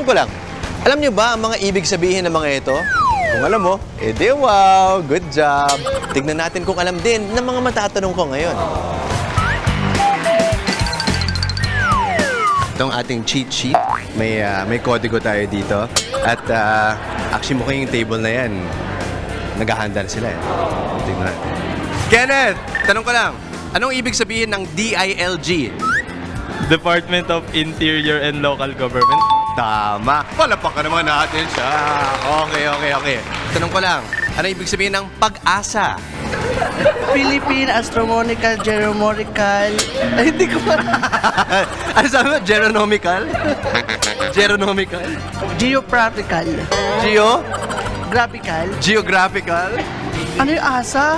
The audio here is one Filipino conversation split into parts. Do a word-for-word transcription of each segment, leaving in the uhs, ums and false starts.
Tanong ko lang, alam niyo ba ang mga ibig sabihin ng mga ito? Kung alam mo, edi wow, good job. Tignan natin kung alam din ng mga matatanong ko ngayon. Itong ating cheat sheet, may, uh, may kodigo tayo dito. At uh, actually mukhang yung table na yan, naghahanda na sila eh. Tignan natin. Kenneth, tanong ko lang, anong ibig sabihin ng D I L G? Department of Interior and Local Government. Tama. Palapakan naman natin siya. Okay, okay, okay. Tanong ko lang, ano ibig sabihin ng pag-asa? Philippine Astronomical Geomorical. Ay, hindi ko pa. Ano sabi mo? Geronomical? Geronomical? Geopractical. Geo? Graphical. Geographical? Ano yung asa?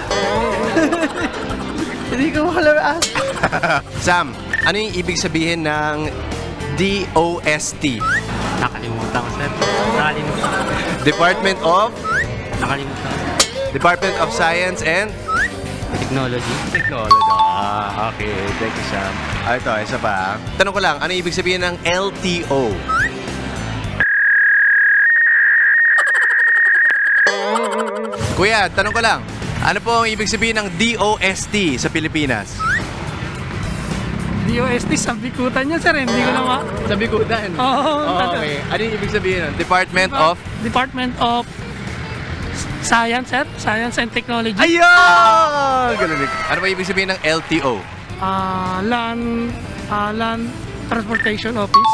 Hindi ko alam yung asa. Sam, ano yung ibig sabihin ng D O S T? Nakalimutan ko, sir. Nakalimutan ko. Department of? Nakalimutan ko. Department of Science and? Technology. Technology. Ah, okay. Thank you, Sam. Ah, ito, isa pa. Tanong ko lang, ano ibig sabihin ng L T O? Kuya, tanong ko lang, ano po ang ibig sabihin ng D O S T sa Pilipinas? D O S T, sabikutan niya, sir. Hindi ko na ma... Sa Bikutan. Oo. Okay. Ano yung ibig sabihin nun? Department of? Department of Science, sir. Science and Technology. Ayun! Galing. Ano ba ibig sabihin ng L T O? Ah, Land... ah, Land Transportation Office.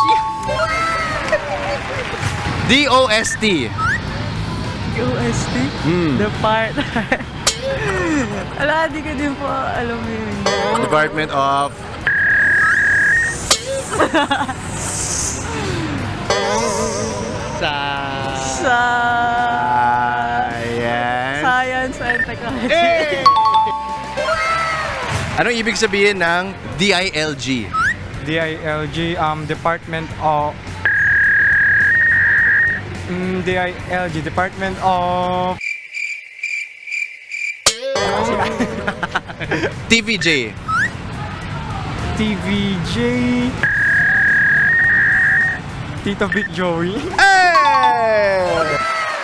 D O S T. D O S T? Hmm. Depart. Ala, di ko din po alam yun. Department of? Sa... Ayan. Science and Technology. Eh! Anong ibig sabihin ng D I L G? D I L G, um, Department of... Mm, D I L G, Department of... T V J. T V J... Tito Vic Joey. Eh!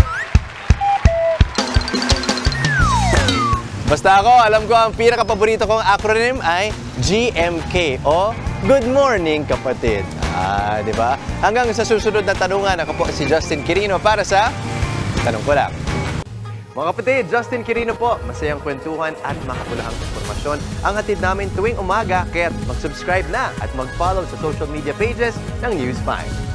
Basta ako, alam ko ang pinaka-paborito kong acronym ay G M K o Good Morning Kapatid. Ah, di ba? Hanggang sa susunod na tanungan, ako po si Justin Quirino para sa Tanong Ko Lang. Mga kapatid, Justin Quirino po. Masayang kwentuhan at makapulahang informasyon ang hatid namin tuwing umaga. Kaya mag-subscribe na at mag-follow sa social media pages ng News five.